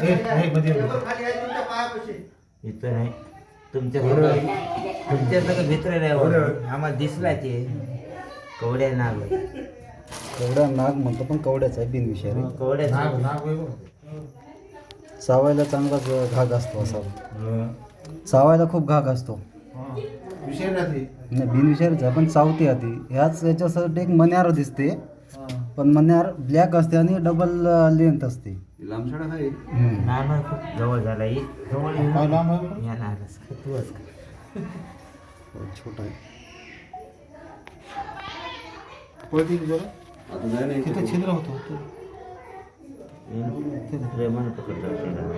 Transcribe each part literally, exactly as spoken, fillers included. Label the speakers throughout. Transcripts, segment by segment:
Speaker 1: इथं नाही तुमच्या तुमच्या सगळं भित्र नाही आम्हाला दिसला ते कवड्या नाग
Speaker 2: कवड्या नाग म्हणतो पण कवड्याचा आहे बिनविषारी.
Speaker 1: कवड्या
Speaker 2: चावायला चांगलाच घाग असतो असा. चावायला खूप घाग असतो. नाही बिनविषारीचा पण चावते आधी. ह्याच याच्यासाठी एक मन्यार दिसते पण मन्यार ब्लॅक असते आणि डबल लेंथ असते.
Speaker 3: लांबछडा आहे
Speaker 1: नाना खूप जवळ झाला ही जवळ या नागस तू
Speaker 2: छोटा आहे.
Speaker 3: आता नाही नाही
Speaker 2: तिथं छिद्र होतो.
Speaker 1: प्रेमानं पकडतो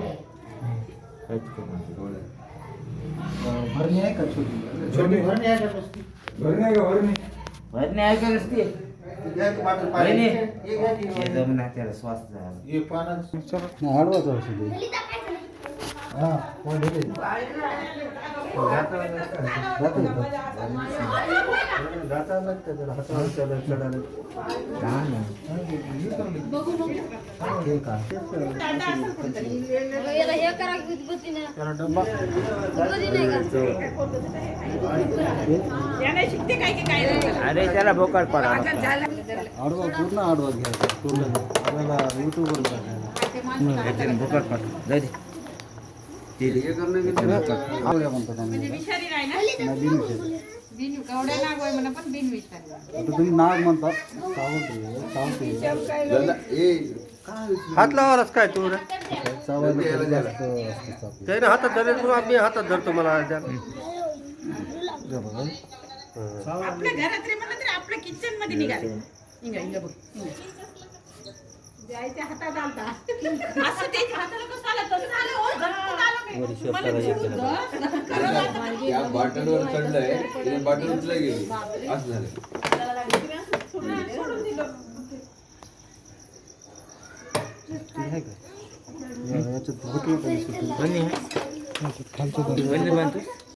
Speaker 2: भरणी आहे का छोटी?
Speaker 3: छोटी भरणी आहे का बसती? भरणी आहे का भरणी?
Speaker 1: भरणे आहे का रस्ते जमना त्याला श्वास
Speaker 2: आडवाच औषध आहे. हा कोण येते? जाता लागतं त्याला हातावर चढ चढायला. ठीक आहे त्याला डब्बा
Speaker 1: अरे त्याला बोकाड पडा
Speaker 2: आडवा पूर्ण आडवा घ्यायचा. पूर्ण आपल्याला युट्यूबवर टाकायला
Speaker 1: बोकाड पड जाऊ दे
Speaker 3: हे करणं की त्याला
Speaker 2: आवड्या म्हणतात आम्ही. नाही, बिनविषारी. आता तुम्ही नाग म्हणतात सावंत सावंत
Speaker 4: हात लावालाच काय तू
Speaker 2: चावायला जास्त असते चाप.
Speaker 4: त्याने हातात धरले म्हणून आम्ही हातात धरतो मला द्या.
Speaker 5: आपल्या घरात रे म्हणलं तरी आपल्या किचन मध्ये निघाले इंगा इंगा बघ जायच्या हातात आलता असं त्याच्या हाताला कसं आलं तसं झालं हो झटकून आलं मी मला जीव
Speaker 3: या बॉटलवर चढलंय तिने बॉटल उचला गेली असं झालं.
Speaker 5: सोडून दिलं
Speaker 2: आहे का? याच्यात भरपूर पैसे.
Speaker 1: खालचं बांधतो